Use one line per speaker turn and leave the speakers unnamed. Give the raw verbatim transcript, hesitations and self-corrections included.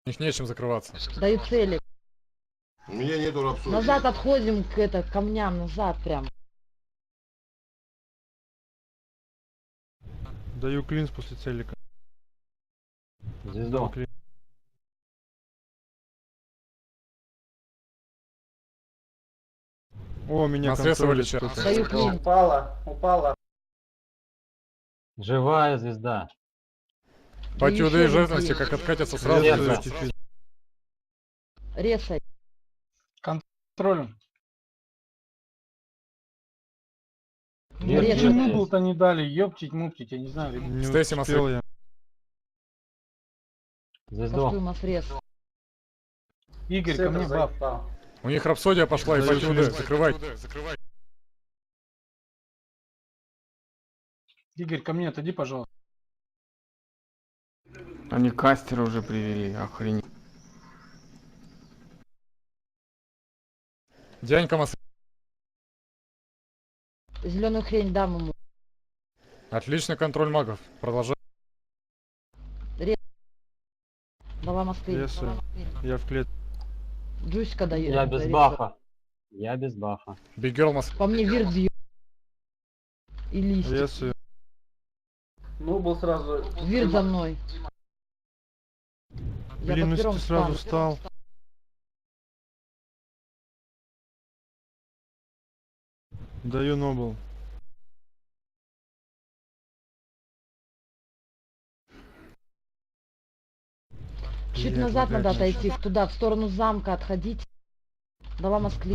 У них нечем закрываться.
Даю цели.
У меня нету рапсодии.
Назад отходим к это, камням, назад прям.
Даю клинс после целика.
Звезду.
Клин. О, меня
На средства
контролит
вылечат.
кто-то.
Даю клин.
Упала, упала.
Живая звезда.
Патюды и
еще
жертвности,
один
как откатятся сразу.
Нет,
нельзя.
нет.
Ресай.
Контролем.
Нет,
Ресай.
нет,
Почему
нет.
был-то не дали? Ёптить, муптить, я не знаю. ребят.
Не
Стейси
успел я.
Звезду.
Кастую масрез.
Игорь, ко мне баб.
У них рапсодия пошла и
Даю
патюды.
клин.
Закрывай.
Игорь, ко мне отойди, пожалуйста.
Они кастера уже привели, охренеть.
Дянька мас...
Зеленую хрень дам ему.
Отличный контроль магов. Продолжай.
Дала Москве.
Ресаю. Я в клетке.
Джуська даю.
Я без бафа. Я без бафа.
Биггерл мас...
По мне вирт бьет. И листья.
Ресаю.
Ну, был сразу.
Вирт за мной. Я
Блин,
под
ну
пером
ты сразу
встану.
встал. Даю нобл.
Чуть
Блядь,
назад
лагать
надо
начал.
отойти, туда, в сторону замка отходить. Дала Москве.